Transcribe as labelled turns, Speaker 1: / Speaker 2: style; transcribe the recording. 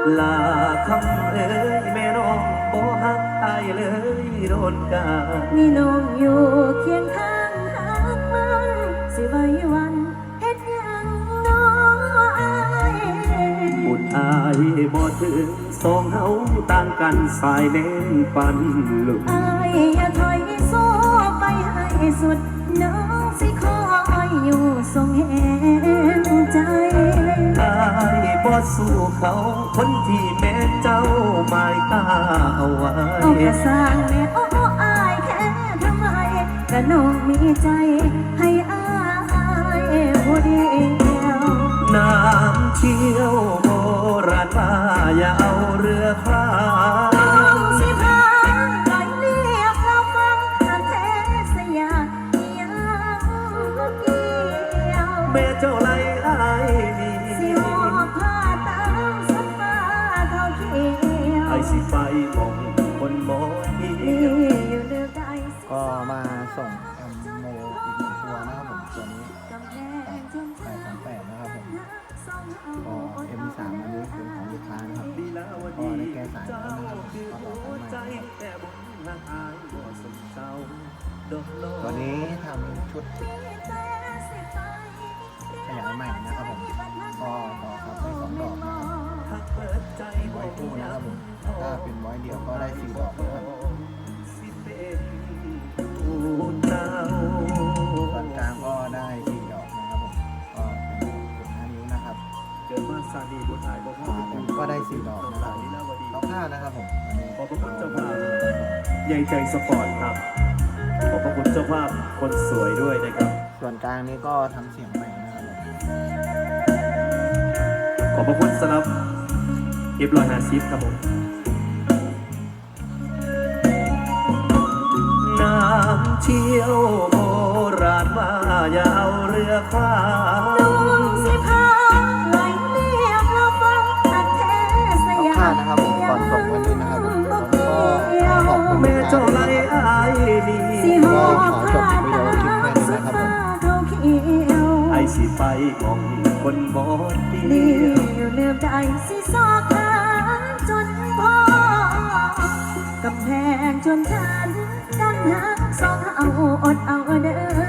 Speaker 1: ลาคำเอ้ยแม่น้องบ่ฮักอายเลยโดนกา
Speaker 2: มีน้องอยู่เคียงข้างหักมันสิไว้วันเฮ็ดหยังน้องอาย
Speaker 1: บุญอายบ่ถึงสองเฮาต่างกันสายเน้นปันลุก
Speaker 2: อายอย่าถอยสู้ไปให้สุดน้องสิคอยอยู่ทรงเห็นใจ
Speaker 1: อายบ่สู้เขาคนที่แม่เจ้าหมายตาเอาไว้
Speaker 2: เอากระสร้างแม่โอ้อายแค่ทำไมก็น้องมีใจให้อายผู้เดียว
Speaker 1: น้ำเชี่ยวโบราณว่าอย่าเอาเรือพาย
Speaker 2: สิพาลอยเรียกเราฟังทางเทศยายังเกี่ยว
Speaker 1: แม่เจ้าไล่อายนี่
Speaker 2: สิหอบผ้าตามสักฟ้าเขาเขียว
Speaker 1: ไอสิไปมองคนหมอที่
Speaker 2: อยู่เลือกได้
Speaker 3: ก็มาส่งแอมโมอีกหนึ่งตัวนะครับผมตัวนี้838นะครับผมก็ M3 อันนี้เป็นของลูกค้านะครับก็ได้แก้สายก็นะครับก็ต่อกันมาตัวนี้ทำชุดขยายใหม่นะครับผมก็ต่อครับได้2 ดอกนะครับไว้คู่นะครับผมถ้าเป็นไว้เดียวก็ได้4 ดอกนะครับส่วนกลางก็ได้4 ดอกนะครับผมก็เป็น5 นิ้วนะครับ
Speaker 1: เกิดมาซาดีบุญหาย
Speaker 3: ก็ได้4 ดอกนะครับเอาผ้านะครับผม
Speaker 1: ขอบพระคุณเจ้าภาพใหญ่ใจสปอร์ตครับขอบพระคุณเจ้าภาพคนสวยด้วยนะครับ
Speaker 3: ส่วนกลางนี้ก็ทำเสียงใหม่นะครับ
Speaker 1: ขอบพระคุณสำหรับF150ครับผมน้ำเชี่ยวโบราณว่าอย่าเอาเรือคว้า
Speaker 2: น้องสิพาลอยเรียกเราฟังทางเทศยา
Speaker 3: นะครับผมก่อนส่งวันนี้นะครับผมก็ขอบคุณ
Speaker 1: แม่เจ้าไล่อายนี่
Speaker 3: ก็ขอจบวิดีโอคลิปแค่นี้นะครับผม
Speaker 1: ไอสิไปมองคนหมอดี
Speaker 2: อยู่เลือกได้สิสอกหาจนพอกำแพงจนฉันกันหักสองเอาอดเอาเด้อ